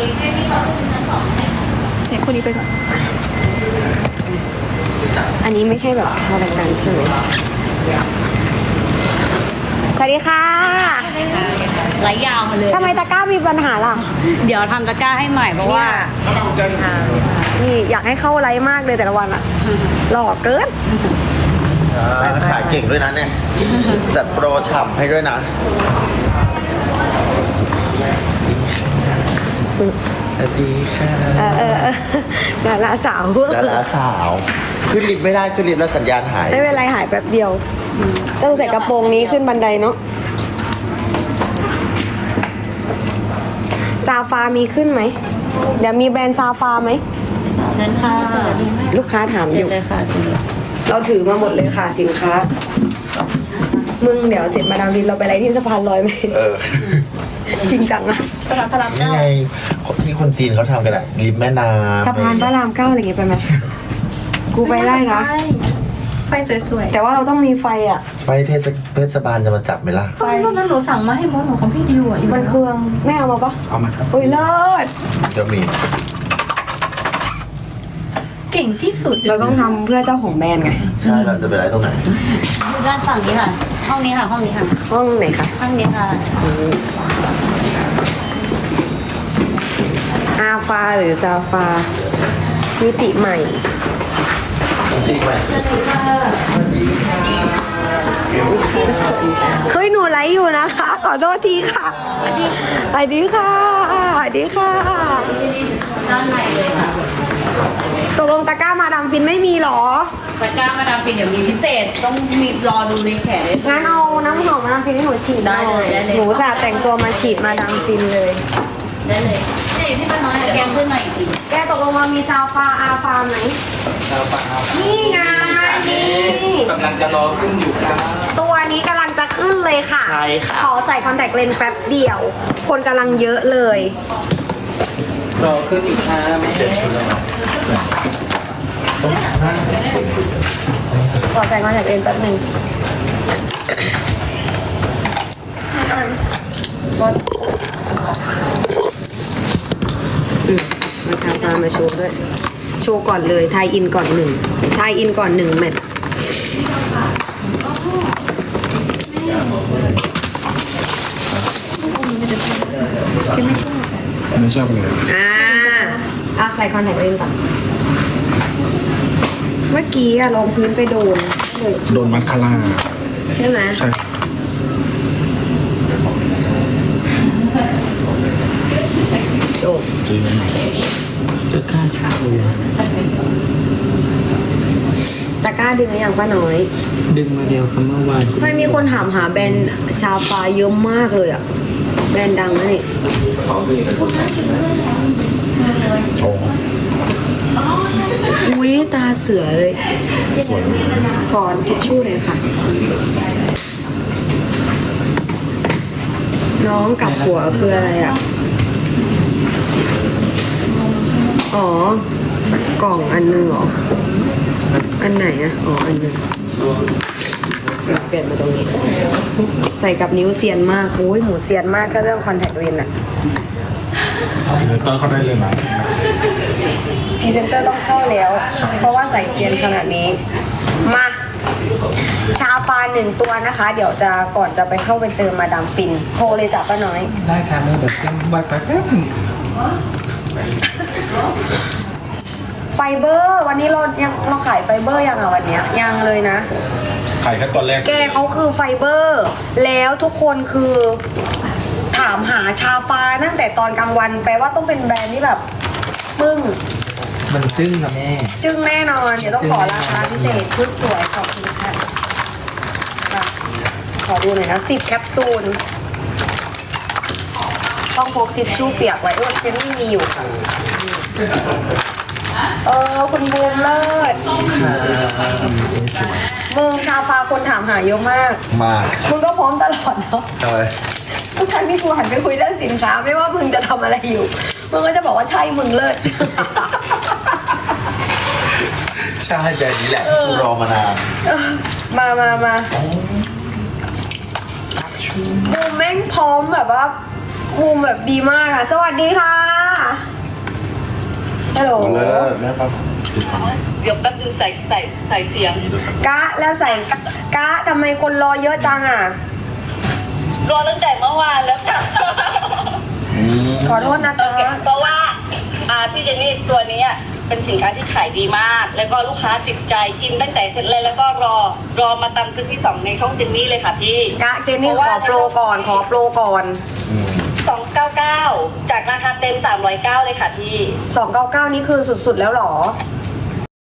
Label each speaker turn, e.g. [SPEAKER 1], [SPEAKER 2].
[SPEAKER 1] เด็กคนนี้ไปก่อน
[SPEAKER 2] อันนี้ไม่ใช่แบบทาดังๆใช่ไหมสวัสดีค่ะ
[SPEAKER 3] ไหลยาวมาเลย
[SPEAKER 2] ทำไมตะกร้ามีปัญหาล่ะ
[SPEAKER 3] เดี๋ยวทำตะกร้าให้ใหม่เพราะว่า
[SPEAKER 2] นี่อยากให้เข้าไลฟ์มากเลยแต่ละวันอะหล่อเกิน
[SPEAKER 4] ขายเก่งด้วยนะเนี่ยจัดโปรฉ่ำให้ด้วยนะสวัสดีค่ะ
[SPEAKER 2] ดาราสาว
[SPEAKER 4] ดาราสาว ขึ้นลิฟต์ไม่ได้ขึ้นลิฟต์แล้วสัญญาณหาย
[SPEAKER 2] ไม่เป็นไรหายแป๊บเดียว ต้องใส่กระโปรงนี้ขึ้นบันไดเนาะซาฟามีขึ้นไหม เดี๋ยวมีแบรนด์ซาฟาไหม
[SPEAKER 3] เชิญค่ะ
[SPEAKER 2] ลูกค้าถามอ
[SPEAKER 3] เชิญ
[SPEAKER 2] ยู่
[SPEAKER 3] เลยค่ะเชิญเลย
[SPEAKER 2] เราถือมาหมดเลยค่ะสินค้า มึงเดี๋ยวเสร็จมาดามวินเราไปอะไรที่สะพานลอยไหม จริงจังอะ
[SPEAKER 1] ตลาดพระราม
[SPEAKER 4] นี่
[SPEAKER 1] เก้า
[SPEAKER 4] ไงที่คนจีนเขาทำกันอะริมแม่น้ำ
[SPEAKER 2] สะพานพระรามเก้าอะไรอย่างเงี้ยไปไหมกูไปได้นะ
[SPEAKER 1] ใช่ไฟสวยๆ
[SPEAKER 2] แต่ว่าเราต้องมีไฟอะ
[SPEAKER 4] ไปเทศบาลจะมาจับไหมล่ะ
[SPEAKER 1] ไฟรถนั้นหนูสั่งมาให้มดหนูของพี่ดิวอ่ะอยู่
[SPEAKER 2] มันเครื่องแม่เอามาปะ
[SPEAKER 4] เอามาครับ
[SPEAKER 2] อุ้ยเลิศ
[SPEAKER 4] เดี๋ยวมี
[SPEAKER 1] เก่งที่สุด
[SPEAKER 2] เราต้องทำเพื่อเจ้าของแบรนด์ไง
[SPEAKER 4] ใช่เราจะไปไลฟ์ตรงไหน
[SPEAKER 3] ด้านฝั่งนี้ค่ะ ห้องนี้ค่ะ ห้องนี้ค่ะ
[SPEAKER 2] ห้องไหนคะ
[SPEAKER 3] ห้องนี้ค่ะ
[SPEAKER 2] อาฟาหรือซาฟามิติใหม่
[SPEAKER 4] จริงไหม
[SPEAKER 2] เฮ้ยหนูไลฟ์อยู่นะคะ ขอโทษทีค่ะสวัสดีค่ะสวัสดีค่ะ
[SPEAKER 3] ด้านในเลยค่ะ
[SPEAKER 2] ตกลงตะกร้ามาดามฟินไม่มีหรอ
[SPEAKER 3] ตะกร้ามาดามฟินเดี๋ยวมีพิเศษ ต้องมีรอดูในแฉเลย
[SPEAKER 2] งั้นเอาน้ำหอมมาดามฟินให้หนูฉีดหน่อ
[SPEAKER 3] ได้เลยได้เลย
[SPEAKER 2] หนูสาแต่งตัวมาฉีดมาดามฟินเลย
[SPEAKER 3] ได้เลย
[SPEAKER 1] นี่พี่ป้าน้อย
[SPEAKER 3] เดี๋ยว
[SPEAKER 1] แก
[SPEAKER 3] แกขึ้นหน่อยอีก
[SPEAKER 2] แกตกลงมามีซาฟาอาฟาไหมนี่ไงนี่
[SPEAKER 5] กำลังจะรอขึ้นอยู่ครับ
[SPEAKER 2] ตัวนี้กำลังจะขึ้นเลยค่ะ
[SPEAKER 4] ใช่ค่ะ
[SPEAKER 2] ขอใส่คอนแทคเลนส์แป๊บเดียว คนกำลังเยอะเลย
[SPEAKER 5] รอขึ้นอีกครับแม่
[SPEAKER 2] ขอใส่คอนแทคเลนส์แป๊บหนึงมาชาตามาโชว์ด้วย โชว์ก่อนเลยทายอินก่อนหนึ่งทายอินก่อนหนึ่งแมท
[SPEAKER 5] ไม่ชอบเลย
[SPEAKER 2] เอาใส่คอนแทคเลนส์ก่อน เมื่อกี้อะลงพื้นไปโดนเลย
[SPEAKER 5] โดนมัคคาร่า
[SPEAKER 2] ใช่ไหม
[SPEAKER 5] ใช่
[SPEAKER 2] จบ
[SPEAKER 5] จริงจะกล้าเช่าเลย
[SPEAKER 2] ตะกร้าดึงหรือยังป้าน้อย
[SPEAKER 5] ดึงมาเดียวคำเมื่อวาน
[SPEAKER 2] ทำไมมีคนถามหาแบรนด์ชาฟาเยอะมากเลยอะแบรนด์ดังนะนี่
[SPEAKER 5] โอ้
[SPEAKER 2] อุ้ยตาเสือเลย
[SPEAKER 5] สวย
[SPEAKER 2] ขอทิชชู่หน่อยค่ะ น้องกับหัวคืออะไรอะอ๋อ กล่องอันนึงเหรอ อันไหนอะอ๋อ อันนึงเปลี่ยนมาตรงนี้ ใส่กับนิ้วเซียนมากโอ้ยหมูเซียนมากก็เรื่องคอนแทคเลนส์อะ
[SPEAKER 5] ตอนเขาได้เลยนะ
[SPEAKER 2] พรีเซนเตอร์ต้องเข้าแล้ว เพราะว่าใส่เซียนขนาดนี้ มา ชาฟาหนึ่งตัวนะคะ เดี๋ยวจะก่อนจะไปเข้าไปเจอมาดามฟินโทรเลยจ้ะป้าน้อย
[SPEAKER 5] ได้ครับแม่เดี๋ยวเซ็นไวไฟแป๊บนึง
[SPEAKER 2] ไฟเบอร์ วันนี้เราขายไฟเบอร์ยังอ่ะวันเนี้ยยังเลยนะ
[SPEAKER 5] ขายแค่ตอนแรก
[SPEAKER 2] แกเขาคือไฟเบอร์ แล้วทุกคนคือถามหาชาฟาตั้งแต่ตอนกลางวัน แปลว่าต้องเป็นแบรนด์ที่แบบปึ้ง
[SPEAKER 5] มันจึ้งค่ะแม่
[SPEAKER 2] จึ้งแน่นอน เดี๋ยวต้องขอราคาพิเศษชุดสวยขอบคุณค่ะอ่ะ ขอดูหน่อยนะ10 แคปซูล ต้องพกทิชชู่เปียกไว้เจนนี่มีอยู่ค่ะ คุณบูมเลิศมึงชาฟาคนถามหาเยอะมาก
[SPEAKER 4] มา
[SPEAKER 2] มึงก็พร้อมตลอดเนาะ
[SPEAKER 4] ทำไม
[SPEAKER 2] ทุกครั้งที่กูหันไปคุยเรื่องสินค้า ไม่ว่ามึงจะทำอะไรอยู่ มึงก็จะบอกว่าใช่มึงเลิศ
[SPEAKER 4] ใช่แบบนี้แหละที่กูรอมานาน
[SPEAKER 2] มาบูมแม่งพร้อมแบบว่าบูมแบบดีมากค่ะ สวัสดีค่ะฮัลโหล
[SPEAKER 4] แม่ครับ
[SPEAKER 3] เดี๋ยวแป๊บนึงใส่เสียง
[SPEAKER 2] กะแล้วใส่กะทำไมคนรอเยอะจังอ่ะ
[SPEAKER 3] รอตั้งแต่เมื่อวานแล้วค่ะ
[SPEAKER 2] ขอโทษนะคะ
[SPEAKER 3] เพราะว่าพี่เจนนี่ตัวนี้เป็นสินค้าที่ขายดีมาก แล้วก็ลูกค้าติดใจกินตั้งแต่เสร็จเลยแล้วก็รอมาตามซื้อที่2ในช่องเจนนี่เลยค่ะพี่
[SPEAKER 2] กะเจนนี่ขอโปรก่อนขอโปรก่อน
[SPEAKER 3] 299จากราคาเต็ม309เลยค่ะพี่
[SPEAKER 2] 299นี่คือสุดๆแล้วเหรอ